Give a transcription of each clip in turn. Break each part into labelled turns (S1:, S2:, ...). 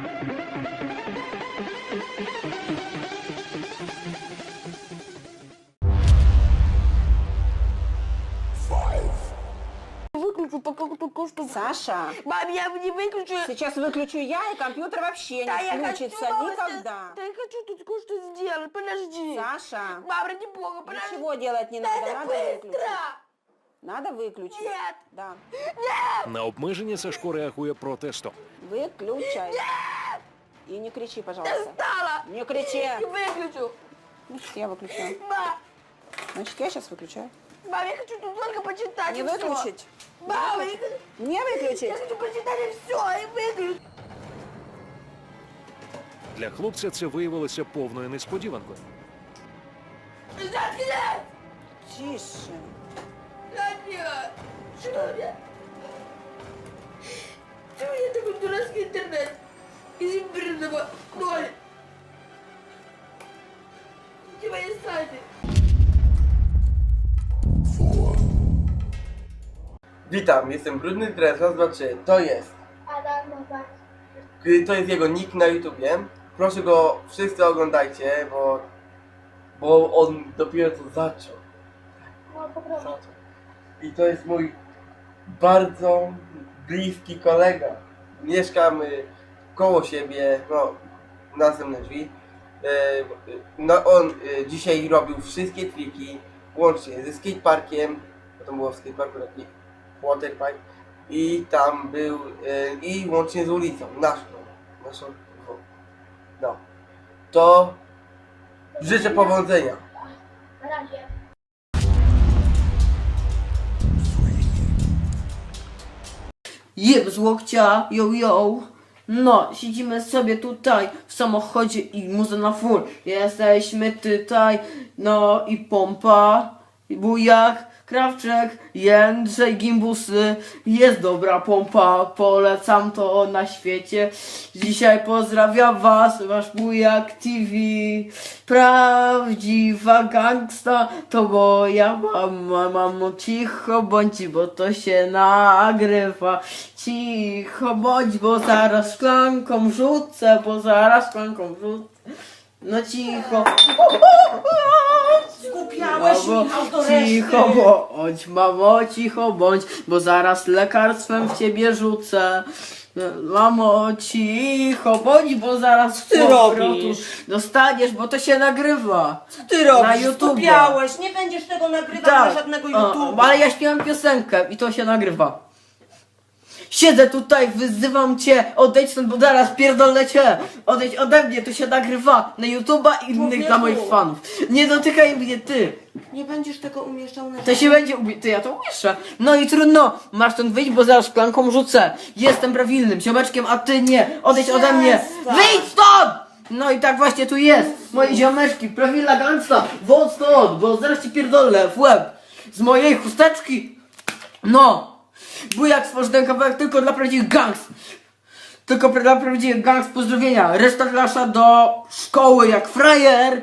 S1: Выключу, пока что...
S2: Саша,
S1: Мам, я не выключу.
S2: сейчас выключу я, и компьютер вообще
S1: Да,
S2: не
S1: я
S2: включится
S1: хочу, мама,
S2: никогда.
S1: Да я хочу тут кое-что сделать, подожди.
S2: Саша,
S1: Мама, ради бога, подожди.
S2: ничего делать не
S1: Да
S2: надо,
S1: это
S2: надо
S1: быстро.
S2: выключить. Надо выключить.
S1: Нет.
S2: Да.
S3: На обмеження Сашко реагує протестом.
S2: Выключай. И не кричи, пожалуйста.
S1: Достала.
S2: Не кричи.
S1: Не выключу.
S2: Значит, я выключаю.
S1: Мам,
S2: Значит, я сейчас выключаю.
S1: мам, я хочу тут только почитать.
S2: Не
S1: и всё.
S2: выключить.
S1: Мама,
S2: Не выключить.
S1: я хочу почитать и все, и выключить.
S3: Для хлопця це виявилося повною несподіванкою.
S1: Заткнись!
S2: Тише.
S1: Нет! Что? Почему у меня такой дурацкий интернет? Из имбирного 0. Где мои сайты?
S4: Witam, jestem Brudny Dres, raz, dwa, trzy. To jest jego nick na YouTubie. Proszę go wszyscy oglądajcie, bo on dopiero co zaczął. I to jest mój bardzo bliski kolega. Mieszkamy koło siebie, no, następne drzwi. No, on dzisiaj robił wszystkie triki, łącznie ze skateparkiem, bo to było w skateparku taki waterpark, i tam był, i łącznie z ulicą, naszą, no. To życzę powodzenia.
S5: Na razie.
S6: Jeb z łokcia, yo. No, siedzimy sobie tutaj w samochodzie i muza na full. Jesteśmy tutaj, no i pompa, i bujak, Krawczek, Jędrzej, Gimbusy. Jest dobra pompa, polecam to na świecie. Dzisiaj pozdrawiam was, wasz bujak TV. Prawdziwa gangsta to moja mama. Mamo, cicho bądź, bo to się nagrywa. Cicho bądź, bo zaraz szklanką rzucę, No cicho.
S2: Skupiałeś
S6: Mamo,
S2: Michał do
S6: cicho
S2: reszty.
S6: bądź, mamo, cicho bądź, bo zaraz lekarstwem w ciebie rzucę. Mamo, cicho bądź, bo zaraz
S2: ty
S6: powrotu
S2: robisz?
S6: dostaniesz, bo to się nagrywa.
S2: Ty
S6: Na
S2: robisz,
S6: YouTube.
S2: skupiałeś, nie będziesz tego nagrywał na żadnego YouTube'a.
S6: Ale ja śpiewam piosenkę i to się nagrywa. Siedzę tutaj, wyzywam cię, odejdź stąd, bo zaraz pierdolę cię. Odejdź ode mnie, to się nagrywa na YouTube'a i innych
S2: Człowieku.
S6: dla moich fanów. Nie dotykaj mnie, ty.
S2: Nie będziesz tego umieszczał na
S6: To się będzie ty, ja to umieszczę. No i trudno, masz stąd wyjść, bo zaraz szklanką rzucę. Jestem prawilnym ziomeczkiem, a ty nie. Odejdź ode mnie.
S2: Przestań.
S6: Wyjdź stąd! No i tak właśnie tu jest. Moje ziomeczki, prawilna gangsta. Wąt stąd, bo zaraz ci pierdolę w łeb. Z mojej chusteczki. No. Bujak stworzył ten kawałek tylko dla prawdziwych gangs. Tylko dla prawdziwych gangs, pozdrowienia. Reszta klasza do szkoły jak frajer.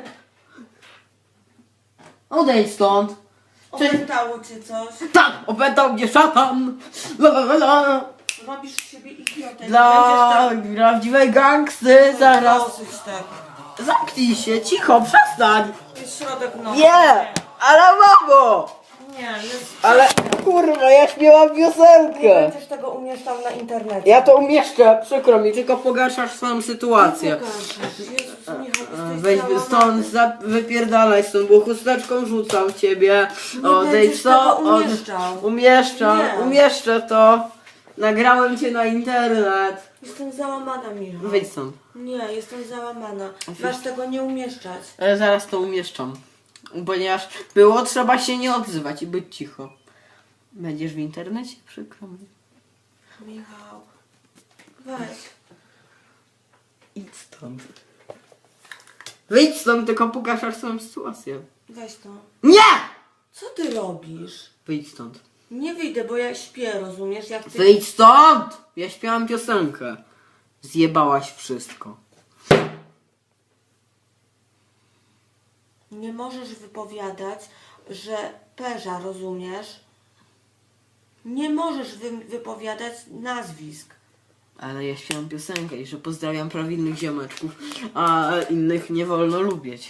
S6: Odejdź stąd.
S2: Opętało cię coś.
S6: Tak, opętał mnie szatan. La, la, la, la.
S2: Robisz z siebie idiotę.
S6: Dla prawdziwej gangsty zaraz.
S2: Dosyć tego.
S6: Zamknij się, cicho, przestań.
S2: Jest środek nocy.
S6: Nie, ale mamo.
S2: Nie, jest...
S6: Ale kurwa, ja śpiewam
S2: Nie
S6: piosenkę.
S2: będziesz tego umieszczał na internecie.
S6: Ja to umieszczę, przykro mi, tylko pogarszasz swoją sytuację.
S2: Jezus, Michał,
S6: Weź stąd, wypierdalaj stąd, bo chusteczką rzucam w ciebie. Odejdź
S2: będziesz tego umieszczał.
S6: Umieszczam,
S2: Nie.
S6: umieszczę to. Nagrałem cię na internet.
S2: Jestem załamana, Michał.
S6: Wyjdź stąd.
S2: Nie, jestem załamana. Masz tego nie umieszczać.
S6: Ale zaraz to umieszczam. Ponieważ było trzeba się nie odzywać i być cicho. Będziesz w internecie? Przykro mi.
S2: Michał, weź.
S6: Idź stąd. Wyjdź stąd, tylko pogarszasz swoją sytuację.
S2: Weź to.
S6: Nie!
S2: Co ty robisz?
S6: Wyjdź stąd.
S2: Nie wyjdę, bo ja śpię, rozumiesz? Ja chcę...
S6: Wyjdź stąd! Ja śpiewam piosenkę. Zjebałaś wszystko.
S2: Nie możesz wypowiadać, że perza, rozumiesz? Nie możesz wypowiadać nazwisk.
S6: Ale ja śpiewam piosenkę i że pozdrawiam prawilnych ziomeczków, a innych nie wolno lubić.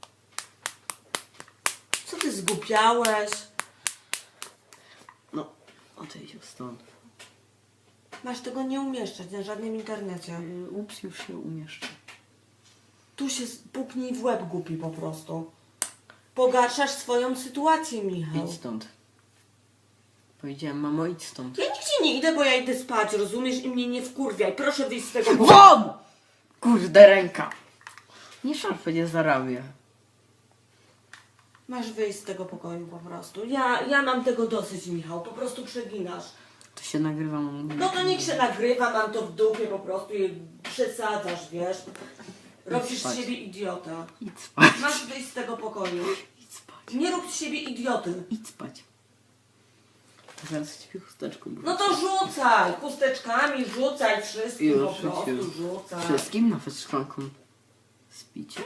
S2: Co ty zgłupiałeś?
S6: No, odejdź stąd.
S2: Masz tego nie umieszczać na żadnym internecie.
S6: Ups, już się umieszczę.
S2: Tu się puknij w łeb, głupi po prostu. Pogarszasz swoją sytuację, Michał.
S6: Idź stąd. Powiedziałem, mamo, idź stąd.
S2: Ja nigdzie nie idę, bo ja idę spać, rozumiesz? I mnie nie wkurwiaj. Proszę wyjść z tego
S6: WON! Kurde, ręka. Nie szarpę, nie zarabię.
S2: Masz wyjść z tego pokoju po prostu. Ja mam tego dosyć, Michał. Po prostu przeginasz.
S6: To się nagrywa,
S2: No to niech się nagrywa, mam to w dupie po prostu i przesadzasz, wiesz? Robisz
S6: spać.
S2: z siebie idiota.
S6: Idź spać.
S2: Masz wyjść z tego pokoju.
S6: Idź spać.
S2: Nie rób z siebie idioty.
S6: Idź spać. Zaraz ci chusteczką wrócę.
S2: No to rzucaj, chusteczkami, rzucaj wszystkim
S6: Już,
S2: po prostu,
S6: już.
S2: rzucaj.
S6: Wszystkim nawet szklanką. Spicie?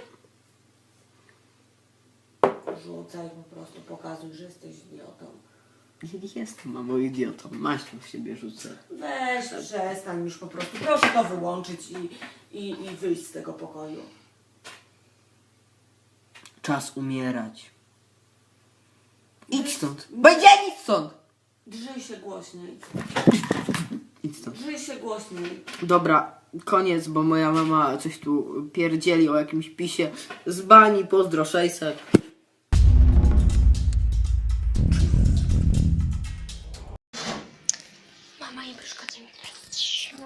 S2: Rzucaj po prostu, pokazuj, że jesteś idiotą.
S6: Nie jestem, mamo, idiotą. Maślą w siebie rzucę.
S2: Weź, przestań już po prostu. Proszę to wyłączyć i wyjść z tego pokoju.
S6: Czas umierać. Idź stąd. Powiedziałem, idź stąd.
S2: Drzyj się głośniej.
S6: Idź stąd.
S2: Drzyj się głośniej.
S6: Dobra, koniec, bo moja mama coś tu pierdzieli o jakimś pisie z bani. Pozdro 600.
S5: Mama nie przeszkadza mi teraz.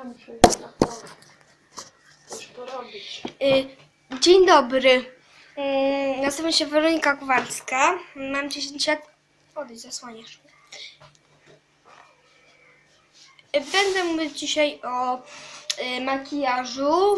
S5: Dzień dobry. Nazywam się Weronika Kowalska. Mam 10 lat. Odejdź, zasłaniasz mnie. Będę mówić dzisiaj o makijażu.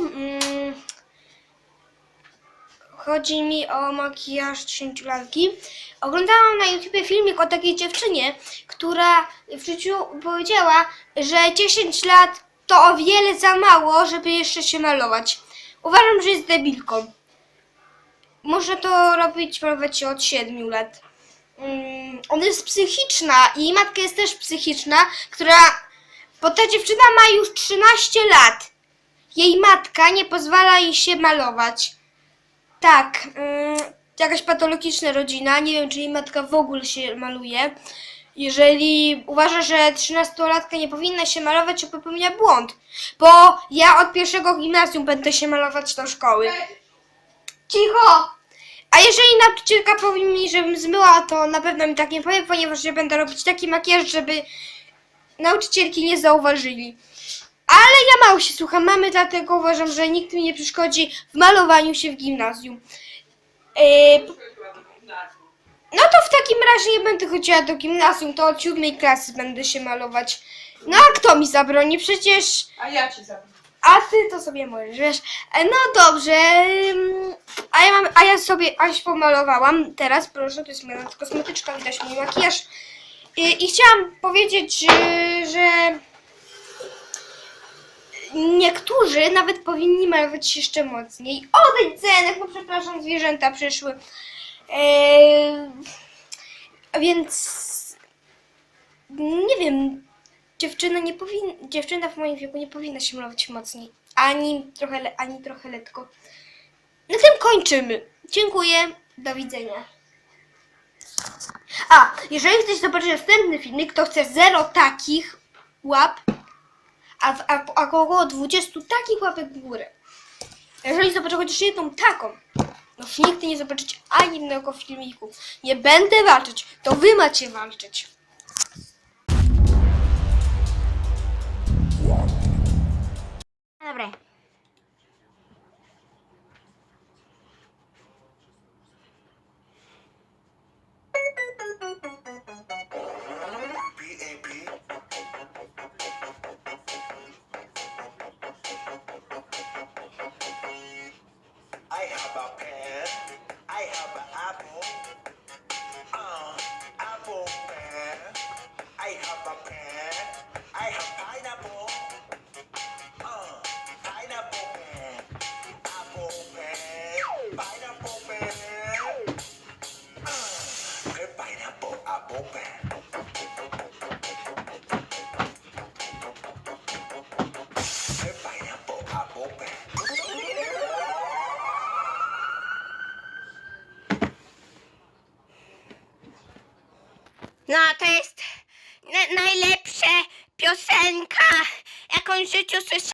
S5: Chodzi mi o makijaż 10-latki. Oglądałam na YouTubie filmik o takiej dziewczynie, która w życiu powiedziała, że 10 lat to o wiele za mało, żeby jeszcze się malować. Uważam, że jest debilką. Można to malować się od 7 lat. Ona jest psychiczna i jej matka jest też psychiczna, bo ta dziewczyna ma już 13 lat. Jej matka nie pozwala jej się malować. Tak, jakaś patologiczna rodzina, nie wiem, czy jej matka w ogóle się maluje. Jeżeli uważa, że 13-latka nie powinna się malować, to popełnia błąd. Bo ja od 1. gimnazjum będę się malować do szkoły. Cicho! A jeżeli nauczycielka powie mi, żebym zmyła, to na pewno mi tak nie powie, ponieważ ja będę robić taki makijaż, żeby nauczycielki nie zauważyli. Ale ja mało się słucham mamy, dlatego uważam, że nikt mi nie przeszkodzi w malowaniu się w gimnazjum. No to w takim razie nie będę chodziła do gimnazjum, to od 7 klasy będę się malować. No a kto mi zabroni? Przecież...
S1: A ja ci zabiję.
S5: A ty to sobie możesz, wiesz. No dobrze. A ja się pomalowałam. Teraz proszę, to jest moja kosmetyczka, widać mój makijaż. I chciałam powiedzieć, że niektórzy nawet powinni malować się jeszcze mocniej. Odejdź, Zenek, no przepraszam, zwierzęta przyszły. Więc nie wiem, dziewczyna w moim wieku nie powinna się malować mocniej. Ani trochę letko. Na tym kończymy. Dziękuję, do widzenia. A, jeżeli chcesz zobaczyć następny filmik, to chcę 0 takich łap, a około 20 takich łapek w górę. Jeżeli zobaczę chociaż jedną taką, no nigdy nie zobaczycie ani jednego filmiku. Nie będę walczyć, to wy macie walczyć. Dobra.
S7: I have a pen, I have an apple, apple pen. I have a pen, I have pineapple, pineapple pen, apple pen, pineapple pen, pineapple apple pen.
S5: No, to jest najlepsza piosenka, jaką w życiu słyszałam.